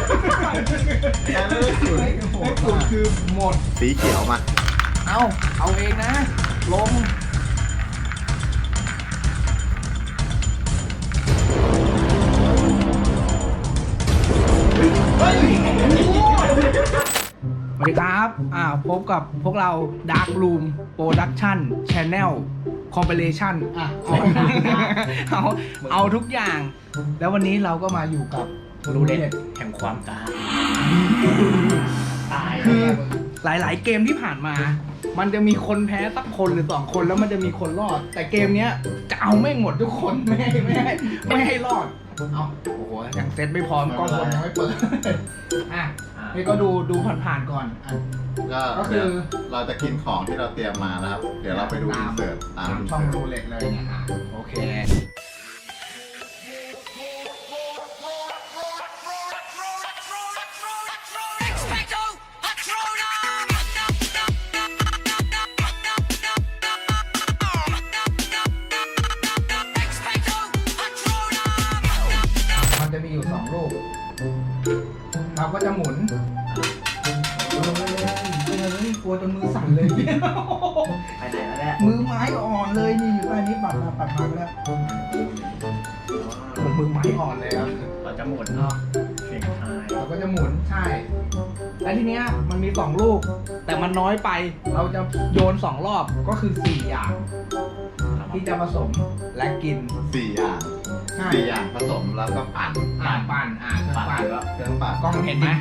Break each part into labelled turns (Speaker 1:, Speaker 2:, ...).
Speaker 1: เลขศูนย์คือหมด
Speaker 2: สีเขียวมา
Speaker 1: เอาเองนะ ลงสวัสดีครับพบกับพวกเรา Dark Room Production Channel Compilation เอาทุกอย่าง แล้ววันนี้เราก็มาอยู่กับ
Speaker 3: รูเล็ตแห่งความตาย
Speaker 1: คือหลายๆเกมที่ผ่านมา มันจะมีคนแพ้สักคนหรือ2 คนแล้วมันจะมีคนรอด แต่เกมเนี้ยจะเอาไม่หมดทุกคนไม่ให้รอดเอาโอ้โหอย่างเซตไม่พร้อมกล้องบนยังไม่เปิดนี่ก็ดูผ่านๆก่อน
Speaker 2: ก็คือเราจะกินของที่เราเตรียมมานะครับเดี๋ยวเราไปดูอินเสิร์ตตาม
Speaker 1: ช่องรูเล็ตเลยเนี่ยโอเคจะมีอยู่2 ลูกเราก็จะหมุนกลัวจนมือสั่นเลย
Speaker 3: ไปไหนแล้วเนี่ย
Speaker 1: มือไม้อ่อนเลยนี่อยู่ใต้นี้ปัดมาก็แล้วมือไม้อ่อนเลยครับ
Speaker 3: เราจะหมุนเนาะเสียงทาย
Speaker 1: เราก็จะหมุนใช่แล้วทีเนี้ยมันมี2 ลูกแต่มันน้อยไปเราจะโยน2 รอบก็คือ4 อย่างที่จะผสมและกิน
Speaker 2: 4 อย่าง4 อย่างผสมแล้วก็ปั่นเครื่องปั่น
Speaker 1: กล้องเห็นไหม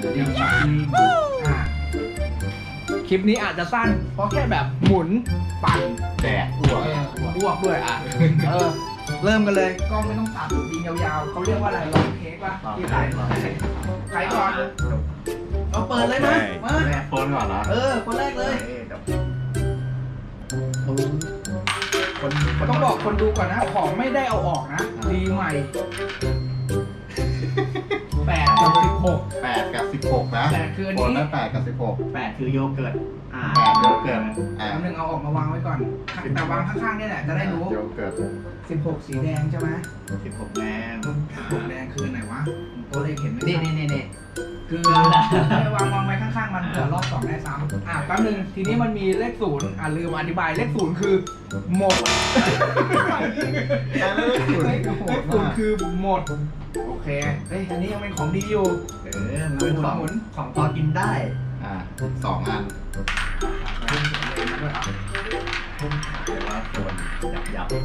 Speaker 1: คลิปนี้อาจจะสั้นเพราะแค่แบบหมุนปั่น
Speaker 2: แดกอ้
Speaker 1: วกด้วยเริ่มกันเลยกล้องไม่ต้องตัดยิงยาวๆเขาเรียกว่าอะไรลองเค้กป่ะที่ใครก่อนเราเปิดเลยนะมา
Speaker 2: โฟนก่อนนะ
Speaker 1: คนแรกเลยต้องบอกคนดูก่อนนะของไม่ได้เอาออกนะดีใหม่8 กับ 16
Speaker 2: 8 กับ 16นะ
Speaker 1: 8คืออัน
Speaker 2: นี้
Speaker 1: 8
Speaker 2: กับ 16
Speaker 3: 8คือโยเกิร์ต
Speaker 2: 8โยเกิร์ต
Speaker 1: อันนึงเอาออกมาวางไว้ก่อนแต่วางข้างๆนี่แหละจะได้รู้
Speaker 2: โยเกิร์ต
Speaker 1: 16สีแดงใช่ไหม
Speaker 3: 16แดง
Speaker 1: 16แดงคือไหนวะตัวเลขเห็นไหม
Speaker 3: นี่
Speaker 1: คือวางไว้ข้างๆมันเผื่อรอบ2ได้ซ้ำแป๊บนึงทีนี้มันมีเลข0ลืมอธิบายเลข0คือหมด
Speaker 2: เลข
Speaker 1: 0คือหมดโอเคอันนี้ยังเป็นของดีอยู่
Speaker 3: มันเป็นของพอกินได้
Speaker 2: 2 อัน
Speaker 3: แต่ว่าส่วนยับ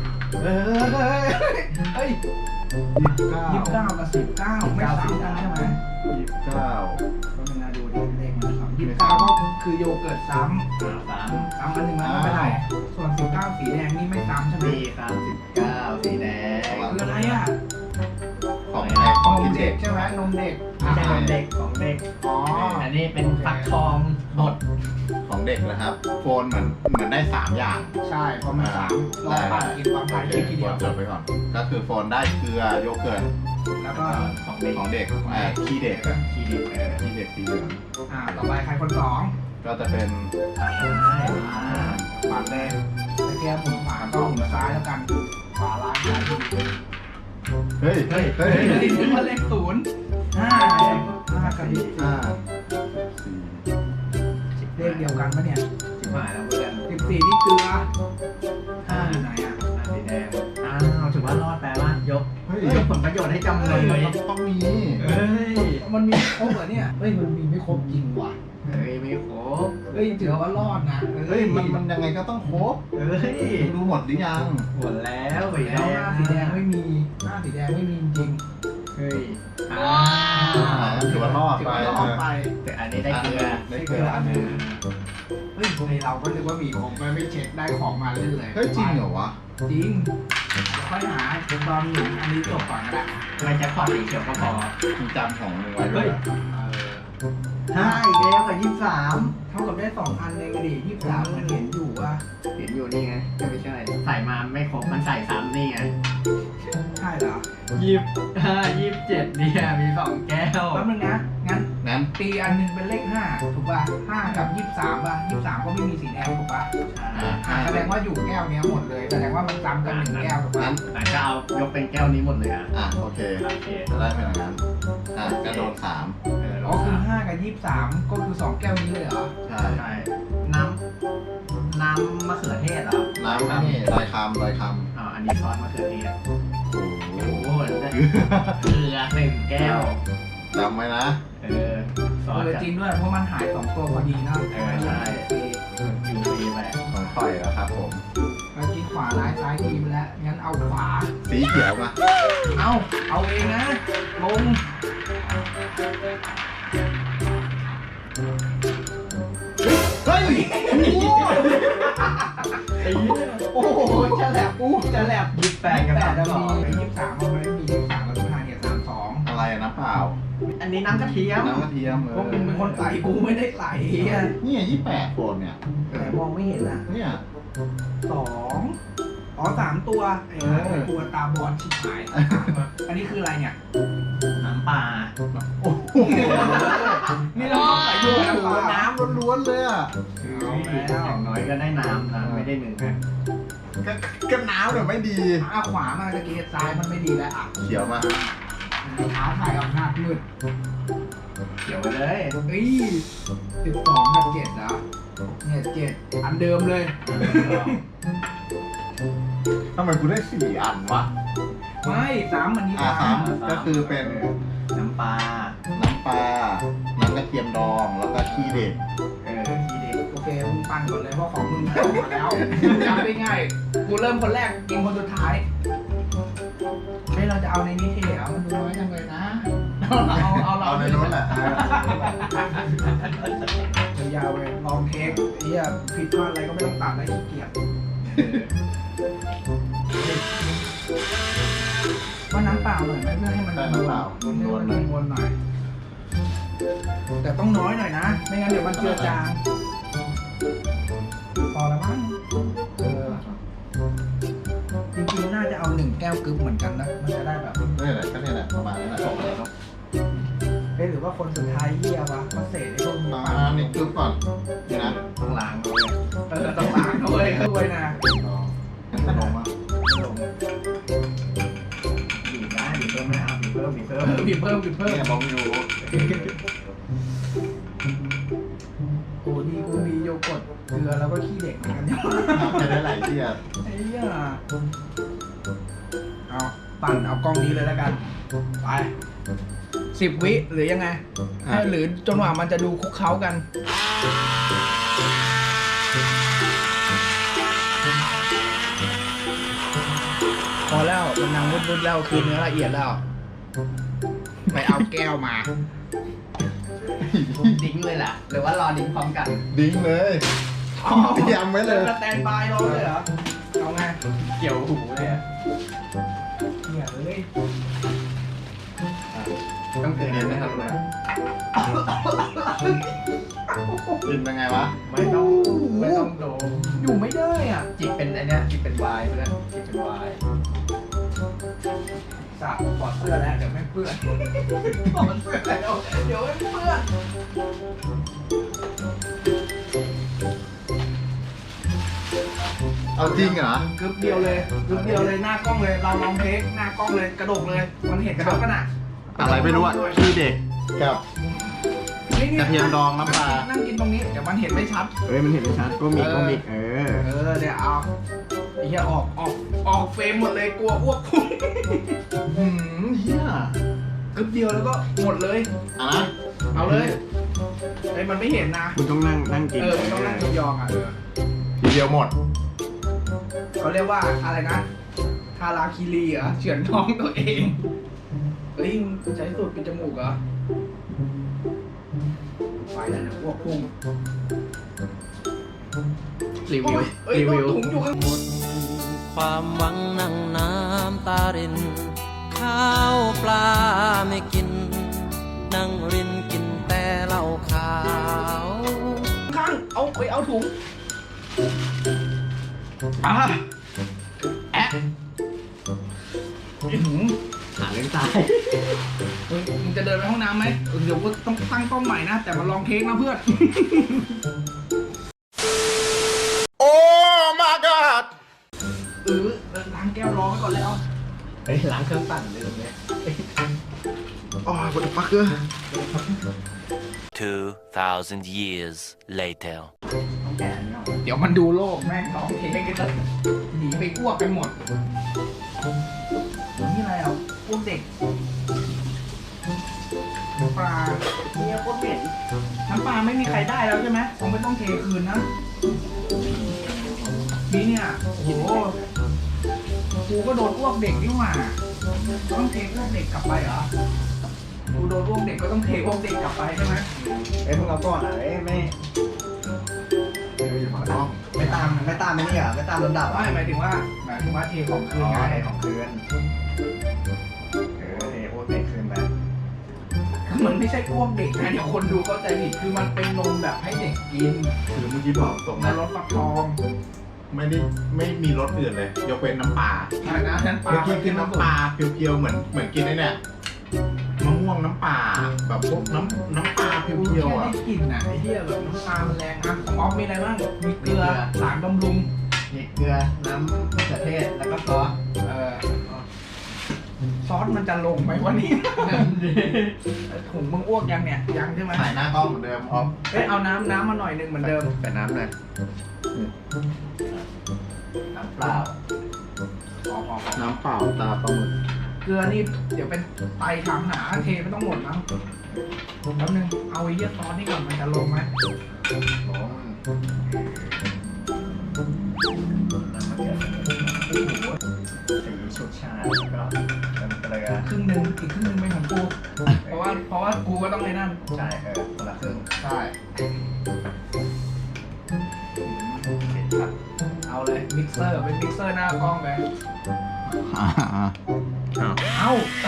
Speaker 1: 29 กับ 19ไม่ซ้ำกันใช่ไหม
Speaker 2: 29
Speaker 1: ก็เป็นนาดูดีเลขมันซ้ำ29ก็คือโยเกิร์ตซ้ำอันหนึ่งมันไม่ได้ส่วน19สีแดงนี่ไม่ซ้ำใช่ไหม
Speaker 3: 19สีแดง
Speaker 1: คืออะไร
Speaker 2: ของกินเด็ก
Speaker 1: ใช่ไหมนมเด็ก
Speaker 3: ไม่ใช่นมเด็กของเด็กอันนี้เป็นฟักทองบด
Speaker 2: ของเด็กนะครับโฟนเหมือนได้3 อย่าง
Speaker 1: ใช่เพราะมัน3ลองปั่นกินความหมายทีเดียว
Speaker 2: จดไปก่อนก็คือโฟนได้เกลือโยเกิร์ต
Speaker 1: แล้วก็
Speaker 2: ของเด็กขี้เด็กสีเหลือง
Speaker 1: ต่อไปใครคน2
Speaker 2: ก็จะเป็น
Speaker 1: ปั่นเลยตะเกียบหมุนขวาก็หมุนซ้ายแล้วกันขวาล้างซ้าย
Speaker 2: เฮ้ย
Speaker 1: นี่มันเลข0 5 กับ4เลขเดียวกันปะเนี่ย
Speaker 3: หมายแล้วเพื่อน
Speaker 1: 14นี่เกลือ5อยู่ไหน
Speaker 3: สีแดงถือว่ารอดแปลว่ายกผลประโยชน์ให้จำเลย
Speaker 2: ต้องมี
Speaker 1: มันมีครบเหรอเนี่ยมันมีไม่ครบจริงว่ะ
Speaker 3: ไม่ครบ
Speaker 1: ถือว่ารอดนะ
Speaker 2: มันยังไงก็ต้องครบดูหมดหรือยัง
Speaker 3: หมดแล้ว
Speaker 1: สีแดงไม่มีสีแดงไม่มีจริง
Speaker 2: ถือว่ารอดไป
Speaker 3: แต่อันนี้ได้เกลือ
Speaker 1: อันนึงเราก็นึกว่ามีของไม่เช็คได้ของมาเล่นเลย
Speaker 2: จริงเหรอวะ
Speaker 1: จริงค่อยหาตอนหนึ่งอันนี้จบก่อนก็ได้
Speaker 3: ไม่จะพอสีเขียวก็พอ
Speaker 2: จำของมึงไว้ด้วย
Speaker 3: อีกแล้วกับ23
Speaker 1: เท่ากับได้2 อันเลยก็ดี23มันเห็นอยู่ว่า
Speaker 3: เห็นอยู่นี่ไงไม่ใช่ใส่มาไม่ครบมันใส่ซ้ำนี่ไง
Speaker 1: ใช่เหรอ
Speaker 3: 25 27เนี่ยมี2 แก้ว
Speaker 1: แป๊บนึงนะงั้น
Speaker 2: งั้น
Speaker 1: ตีอันหนึงเป็นเลข5ถูกป่ะ5กับ23ป่ะ23ก็ไม่มีสีแดงถูกป่ะแสดงว่าอยู่แก้วเนี้ยหมดเลยแสดงว่ามันซ้ำกัน1แก้วถูกป่ะ
Speaker 2: งั้น
Speaker 3: แต่ก็เอายกเป็นแก้วนี้หมดเลยอ่ะ
Speaker 2: โอเค
Speaker 3: โอเค
Speaker 2: จะได้เป็นอย่างนั้นกระโดด3
Speaker 1: อ๋อคือ5กับ23ก็คือ2แก้วนี้เลยเหรอ
Speaker 2: ใช่
Speaker 3: ใช่น้ำมะเขือเทศเหรอ
Speaker 2: น้ำนี่ลอยคำ
Speaker 3: อันนี้ซอสมะเขือเทศ
Speaker 2: โอ้โห
Speaker 3: โอ้โหได้เกลือ1แก้ว
Speaker 2: จำไว้นะ
Speaker 3: ซอส
Speaker 1: จริงด้วยเพราะมันหาย2ตัวพอดีนะ
Speaker 3: ใช่ยูซีไป
Speaker 2: ของข่อยแล้วครับผม
Speaker 1: เรากินขวาร้ายซ้ายทีไปแล้วงั้นเอาขวา
Speaker 2: สีเขียวมา
Speaker 1: เอาเองนะลงเฮ้ยโอ้โหจะแหลบจะแหลบ
Speaker 3: 28กับ
Speaker 1: แต่เรา
Speaker 3: 32
Speaker 1: มี23มันไม่ได้มี23เรา25เนี่ย32
Speaker 2: อะไรนะเปล่า
Speaker 3: อันนี้น้ำกระเทียม
Speaker 2: น้ำกระเทียม
Speaker 1: พวกมึงเป็นคนใส่กูไม่ได้ใส่อ่ะ
Speaker 2: เนี่ย28คนเนี่ย
Speaker 1: แต่มองไม่เห็นอ่ะ
Speaker 2: เนี่ย
Speaker 1: 3 ตัวตัวตาบอดชิบหายอันนี้คืออะไรเนี่ย
Speaker 3: น้ำปลา
Speaker 2: โอ้โห
Speaker 1: นี่เราใส่ด้วยน้ำปลา
Speaker 2: น้ำล้วนๆเลยอ่ะ
Speaker 1: เอาแล้ว
Speaker 3: อย่างน้อยก็ได้น้ำนะไม่ได้1นะ
Speaker 2: ก็น้ำเนี่ยไม่ดี
Speaker 1: ขวามาตะกี้ซ้ายมันไม่ดีแล้วอ่ะ
Speaker 2: เขียวมา
Speaker 1: ท้าทายอำนาจมืด
Speaker 3: เขียวไปเลย
Speaker 1: เฮ้ย12กับ7นะเนี่ย7อันเดิมเลย
Speaker 2: ทำไมกูได้4 อันวะ
Speaker 1: ไม่3มันนี้
Speaker 2: 3ก็คือเป็น
Speaker 3: น้ำปลา
Speaker 2: น้ำปลา น้ำกระเทียมดอง แล้วก็ขี้เด็ก
Speaker 3: ทีเด็ก
Speaker 1: โอเคมึงปั่นก่อนเลยเพราะของมึงเข้ามาแล้วจำได้ง่ายกูเริ่มคนแรกกินคนสุดท้ายเฮ้ยเราจะเอาในนี้เทเหรอมันดูน้อยจังเลยนะเอา
Speaker 2: ในรถแหละ
Speaker 1: ยาวๆเลยลองเทคเฮียผิดพลาดอะไรก็ไม่ต้องตัดนะขี้เกียจว่าน้ำเปล่าหน่อยไหมเพื่อให้มัน
Speaker 2: ได้น้ำเปล่า
Speaker 1: มันนวลหน่อยแต่ต้องน้อยหน่อยนะไม่งั้นเดี๋ยวมันเจือจางพอแล้วมั้งจริงๆน่าจะเอา1แก้วกึ๊บเหมือนกันนะมันจะได้แบบ
Speaker 2: นี่แหละก็นี่แหละประมาณนี้แหละ
Speaker 1: เอ๊ะหรือว่าคนสุดท้ายเหี้ยวะมาเศษไอ้พวกนี้
Speaker 2: นี่กึ๊บก่อนนี่นะ
Speaker 3: ต้องล้างด้วย
Speaker 1: ต้องล้างด้วยด้วยนะ
Speaker 2: ขนมอ่ะ
Speaker 3: ลงบีบได้บีบเพิ่มไม่เอาบีบเพิ่ม
Speaker 1: บีบเพิ่ม
Speaker 2: เนี่ยบอกอยู่
Speaker 1: โอ้ดีกูมีโยเกิร์ตเกลือแล้วก็ขี้เด็กเหมือนกันเนี่ย
Speaker 2: จะได้หลายที่อ่ะ
Speaker 1: ไอ้เหี้ยเอาปั่นเอากล้องนี้เลยแล้วกันไป10 วิหรือยังไงหรือจนกว่ามันจะดูคุกเขากันพอแล้วมันนางวุ้นๆแล้วคือเนื้อละเอียดแล้ว ไปเอาแก้วมา
Speaker 3: ดิ้งเลยล่ะหรือว่ารอดิ้งพร้อมกัน
Speaker 2: ดิ้งเลยเตรียมไว้เลย
Speaker 1: สแตนบายรอเลยเหรอ เอาไง
Speaker 3: เกี่ยวหูเลยอะ
Speaker 1: เนี่ยเลย
Speaker 3: ต้องเตือนนะครับเลย
Speaker 2: กินเป็นไงวะ
Speaker 3: ไม่ต้องโดม
Speaker 1: อยู่ไม่ได้อ่ะ
Speaker 3: จิบเป็นไอเนี้ยจิบเป็นวายเพื่อนจิบเป็นวาย
Speaker 1: สับถอดเสื้อแล้วเดี๋ยวไม่เปื้อนถอดเสื้อแล้วเดี๋ยวไม่เปื้อน
Speaker 2: เอาจริงเหรอ
Speaker 1: กึ๊บเดียวเลยหน้ากล้องเลยเราลองเทคหน้ากล้องเลยกระดกเลย มันเห็นเขากันอ่ะ
Speaker 2: อะไรไม่รู้อ่ะขี้เด็กกับ
Speaker 1: นี่
Speaker 2: กระเทียมดองน้ำปลา
Speaker 1: นั่งกินตรงนี้เดี๋ยวมันเห็นไม่ชัด
Speaker 3: มันเห็นไม่ชัดก็มีเดี๋ยว
Speaker 1: เดี๋ยวเอาไอ้เหี้ยออกเฟรมหมดเลยกลัวอ้วกพุ่ง
Speaker 2: เฮีย
Speaker 1: กึ๊บเดียวแล้วก็หมดเลย
Speaker 2: อ่ะนะ
Speaker 1: เอาเลยไอ้มันไม่เห็นนะ
Speaker 3: คุณต้องนั่งกิน
Speaker 1: มันต้องนั่งยองอ่ะ
Speaker 2: ทีเดียวหมด
Speaker 1: เขาเรียกว่าอะไรนะทาราคิรีเหรอเฉือนท้องตัวเองเฮ้ยมึงใช้สูตรปิดจมูกเหรอไปแล้วนะอ้วกพุ่ง
Speaker 3: รีวิว
Speaker 1: เอ้ยตัวถุงอยู่ข้างบน
Speaker 4: ความหวังนั่งน้ำตาริน ข้าวปลาไม่กิน นั่งรินกินแต่เหล้าขาว
Speaker 1: ข้างเอาถุงแอะ
Speaker 3: หาเรื่องตาย
Speaker 1: มึงจะเดินไปห้องน้ำไหมเดี๋ยวกูต้องตั้งกล้องใหม่นะ แต่มาลองเทคนะเพื่อน
Speaker 2: โอ้ my god
Speaker 1: ล้างแก้วรอไว้ก่อนแล้ว
Speaker 3: เฮ้ยล้างเครื่องปั่นลืมเลย
Speaker 2: โอ้ยwhat the fuck เกอร์
Speaker 5: 2,000 years later.
Speaker 3: ต้องแกะอันนี้ออก
Speaker 1: เดี๋ยวมันดูโลกแม่งลองเทคกันจะหนีไปอ้วกกันหมดนี่อะไรอ่ะพวกเด็กน้ำปลา
Speaker 3: เนี่ยโคตรเหม็น
Speaker 1: น้ำปลาไม่มีใครได้แล้วใช่ไหมคงไม่ต้องเทคืนนะนี่เนี่ยโอ้โหกูก็โดนอ้วกเด็กนี่หว่าต้องเทอ้วกเด็กกลับไปเหรอกูโดนอ้วกเด็กก็ต้องเทอ้วกเด็กกลับไปใช่ไหม
Speaker 3: เอ้ยมึงเอาก่อนอ่ะเอ้ยไม่
Speaker 2: อยู่หมากล้อง
Speaker 3: ไม่ตามไม่นี่อ่ะไม่ตามลำดับ
Speaker 1: ไม่
Speaker 3: อ่ะ
Speaker 1: หมายถึงว่าเทของคืนไง
Speaker 3: ไงของคืนเทโอเตะคืนไป
Speaker 1: คือมันไม่ใช่อ้วกเด็กนะเดี๋ยวคนดูเข้าใจผิดคือมันเป็นนมแบบให้เด็กกิน
Speaker 2: คือเมื่อกี้บอกตรง
Speaker 1: ใน
Speaker 2: นะ
Speaker 1: รสฟักทอง
Speaker 2: ไม่มีรสอื่นเลย ยกเว้นน้ำปลา
Speaker 1: อะไรนะนั่นปลา
Speaker 2: เมื่อกี้กินน้ำปลาเพียวๆเหมือนกินไอ้เนี่ยมะม่วงน้ำปลาแบบพวกน้ำปลาเพียวๆอ่ะ
Speaker 1: ได้กลิ่นอ่ะไอ้เหี้ยแบบน้ำปลามันแรงอ่ะของออฟมีอะไรบ้างมีเกลือสารบำรุง
Speaker 3: นี่เกลือน้ำมะเขือเทศแล้วก็ซอส
Speaker 1: ซอสมันจะลงไหมวันนี้ ถุงมึงอ้วกยังเนี่ยยังใช่ไหม
Speaker 2: ถ่ายหน้ากล้องเหมือนเดิมออฟ
Speaker 1: เอ้ยเอาน้ำมาหน่อยนึงเหมือนเดิม
Speaker 3: แต่น้ำหน่อยน้ำเปล่า
Speaker 1: พอ
Speaker 2: น้ำเปล่าตาปลาหมึก
Speaker 1: เกลือนี่เดี๋ยวเป็นไตถามหาเทไม่ต้องหมดนะแป๊บนึงเอาไอ้เหี้ยซอสนี่ก่อนมันจะลงไหม
Speaker 3: น้ำมะเขือเทศสีชุดชาแล้วก็น้ำเกลือ
Speaker 1: ครึ่งหนึ่งอีกครึ่งหนึ่งเป็นของกูเพราะว่ากูก็ต้องในนั่น
Speaker 3: ใช่คนละครึ่ง
Speaker 1: ใช่
Speaker 3: เผ็ดครับ
Speaker 1: เอาเลยมิกเซอร์เป็นมิกเซอร์หน้ากล้องไปเอา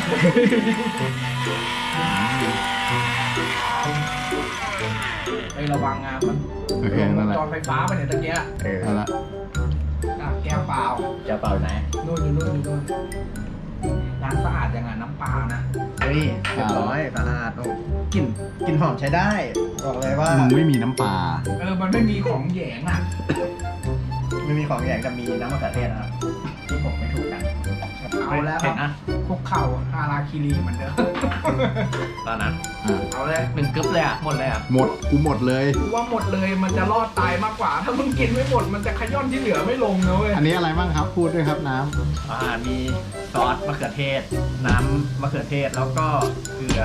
Speaker 1: ไประวังงานมัน
Speaker 2: โอเคนั่นแหละ
Speaker 1: จอไฟฟ้าไปเนี่ยตะเกีย
Speaker 2: นั่นแหละ
Speaker 1: แก้วเปล่า
Speaker 3: จะเปล่าไหน
Speaker 1: นู่นอยู่นู่นล้างสะอาดยังไงน้ำปลานะ
Speaker 3: เฮ้ยเรียบร้อยสะอาดโอ้กลิ่นหอมใช้ได้บอกเลยว่า
Speaker 2: มึงไม่มีน้ำปลา
Speaker 1: มันไม่มีของแหยงอ่ะ
Speaker 3: ไม่มีของอย่างจะมีน้ำมะเขือเทศนะครับที่ผมไม่ถูกกัน
Speaker 1: เอาแล้วครับคุกเข่าฮาราคิรีเหมือนเดิม
Speaker 3: ตอนนั้น
Speaker 1: เอาเลย
Speaker 3: 1 กึ๊บเลยอ่ะหมดเลยอ่ะ
Speaker 2: หมดกูหมดเลย
Speaker 1: กูว่าหมดเลยมันจะรอดตายมากกว่า ถ้ามึงกินไม่หมดมันจะขย้อนที่เหลือไม่ลงนะเว้ย
Speaker 2: อันนี้อะไรบ้างครับพูดด้วยครับน้
Speaker 3: มีซอสมะเขือเทศ น้ำมะเขือเทศแล้วก็เกลือ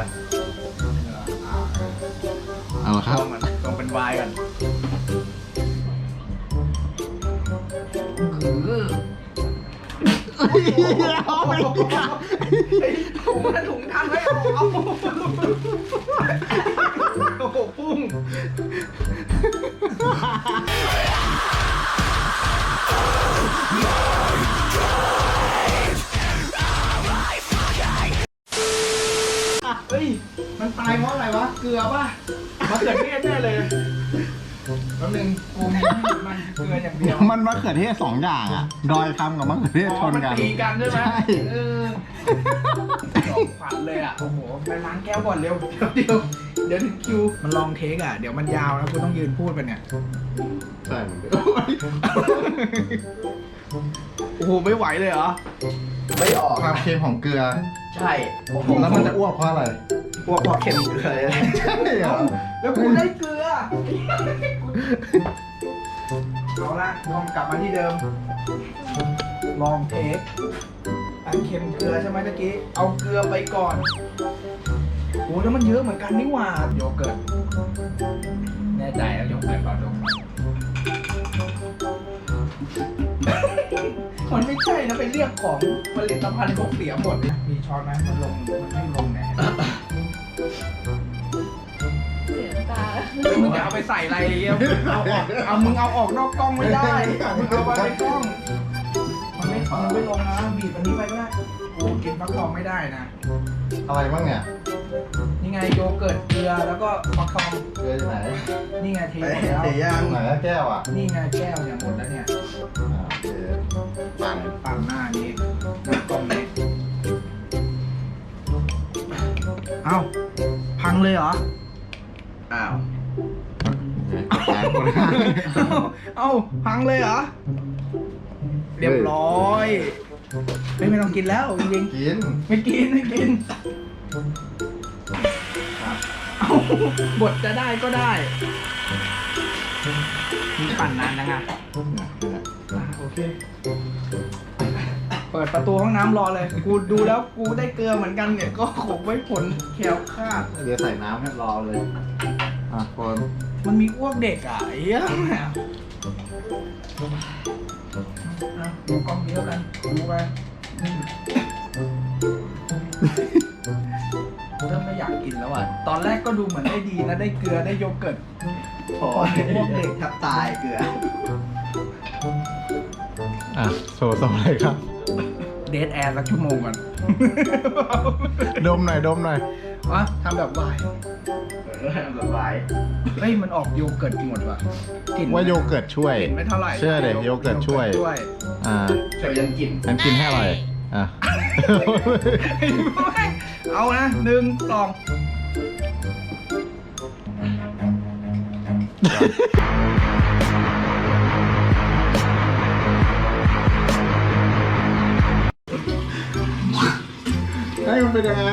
Speaker 2: ำเอาละครับ
Speaker 3: ต้องเป็นไวน์ก่อน
Speaker 1: คือถุงทันไว้เอาโอ้โหปุ้งเฮ้ยมันตายเพราะอะไรวะเกลือป่ะมะเขือเทศแน่เลยแล้วนึงกูมีมันเกลืออย่างเดียว
Speaker 2: มันมะเขือเทศ2 อย่างอ่ะ ดอยคำกับมะเขือเทศชนกัน
Speaker 1: ตีกันใช่ไหม
Speaker 2: ใช่
Speaker 1: สองขวัญเลยอ่ะ โอ้โห ไปล้างแก้วก่อนเร็ว เดี๋ยวถึงคิว มันลองเทคอ่ะ เดี๋ยวมันยาวแล้วกูต้องยืนพูดไปเนี่ย
Speaker 2: ใช่เหมือนเดิม
Speaker 1: โอ้โห ไม่ไหวเลยเหรอ
Speaker 3: ไม่ออก
Speaker 2: ความเค็มของเกลือ
Speaker 3: ใช่โอ้โห
Speaker 2: แล้วมันจะอ้วกเพราะอะไร
Speaker 3: พวกเค็มเกลือเลย
Speaker 2: ใช่เหรอ
Speaker 1: แล้วกูได้เกลือ เอาละลองกลับมาที่เดิม ลองเทคอันเค็มเกลือใช่ไหมตะกี้ เอาเกลือไปก่อนโอ้แล้วมันเยอะเหมือนกันนี่หว่า โยเกิร์ต แน่ใจแล้วโยเกิร์ตก่อนโยเกิร์ต มันไม่ใช่นะเป็นเรื่องของผลิตภัณฑ์ของเสียหมดนะมีช้อนไหมมันไม่ลงแน่
Speaker 6: เสียตา
Speaker 1: แล้วมึงจะเอาไปใส่อะไรเงี้ยมึงเอาออกนอกกล้องไม่ได้มึงเอาไว้ในกล้องมันไม่ลงนะบีบอันนี้ไปก็ได้โอ้กินฟักทองไม่ได้นะ
Speaker 2: อะไรบ้างเนี่ย
Speaker 1: นี่ไงโยเกิร์ตเกลือแล้วก็ฟักทอง
Speaker 2: เกลือที่ไหน
Speaker 1: นี่ไงเทหมดแล้ว
Speaker 3: เตะย่าง
Speaker 2: ไหนอะแก้วอ่ะ
Speaker 1: นี่ไงแก้วเนี่ยหมดแล้วเนี่ย
Speaker 2: โอเคปั่น
Speaker 1: ปั่นหน้านี้หน้ากล้องนี้เอ้าพังเลยเหรอ
Speaker 2: อ้าวแกคนข้าง
Speaker 1: เอ้าพังเลยเหรอ เรียบร้อยไม่ต้องกินแล้วจริง
Speaker 2: กิน
Speaker 1: ๆไม่กินเอ้าบทจะได้ก็ได้มีปั่นนานจังอะโอเค เปิดประตูห้องน้ำรอเลย กูดูแล้วกูได้เกลือเหมือนกันเนี่ย ก็คงไว้ผลแคล้วคลาด
Speaker 2: เดี๋ยวใส่น้ำให้รอเลย คน
Speaker 1: มันมีอ้วกเด็กอ่ะไอ้เหี้ยดูกล้องนี้แล้วกันดูไปเริ่มไม่อยากกินแล้วอ่ะ ตอนแรกก็ดูเหมือนได้ดีนะ ได้เกลือได้โยเกิร์ตพอไอ้พวกเด็กแทบตายเกลือ
Speaker 2: โชว์อะไรครับ
Speaker 1: เดทแอร์สักชั่วโมงก่อน
Speaker 2: ดมหน่อย
Speaker 1: วะทำแบบวาย
Speaker 2: ละลาย
Speaker 1: เฮ้ยมันออกโยเกิร์ตหมดว่ะกลิ่น
Speaker 2: ว่าโยเกิร์ตช่วย
Speaker 1: กลิ่นไม่เท่าไหร่
Speaker 2: เชื่อเลยโยเกิร์ตช่วย
Speaker 1: ช่วยยังกิน
Speaker 2: ฉันกินให้อร่อยอ่ะ
Speaker 1: เอานะ1 2
Speaker 2: ให้มันเป็นยังไง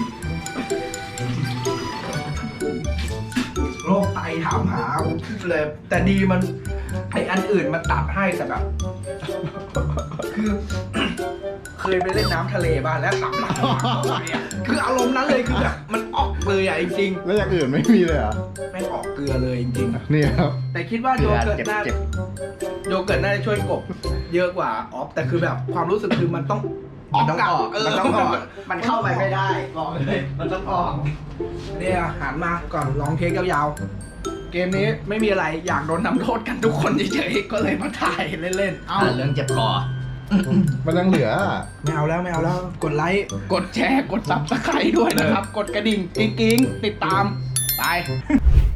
Speaker 1: โรคไตถามหาผมขึ้นเลย แต่ดีมันไออันอื่นมันตัดให้แต่แบบ คือ เคยไปเล่นน้ำทะเลบ้างแล้วตับหลังคืออารมณ์นั้นเลยคือแบบมันออกเลยอ่ะจริง
Speaker 2: แล้วอย่างอื่นไม่มีเลยเหรอ
Speaker 1: ๆแม่งออกเกลือเลยจริง
Speaker 2: นี่ครับ
Speaker 1: ๆแต่คิดว่าโยเกิร์ตน่า
Speaker 2: เจ็บ
Speaker 1: โยเกิร์ตน่าจะช่วยกบเยอะกว่าออฟแต่คือแบบความรู้สึกคือมันต้องมันต้องออกมันเข้าไปไม่ได้บอกเลยมันต้องออกเนี่ยหันมาก่อนลองเทคยาวๆเกมนี้ไม่มีอะไรอยากโดนทำโทษกันทุกคนเฉยๆก็เลยมาถ่ายเล่นๆเอ้า
Speaker 3: เรื่องเจ็บคอ
Speaker 2: มันยังเหลือ
Speaker 1: ไม่เอาแล้วกดไลค์กดแชร์กดซับสไครต์ด้วยนะครับ กดกระดิ่งกิ๊งๆติดตามไป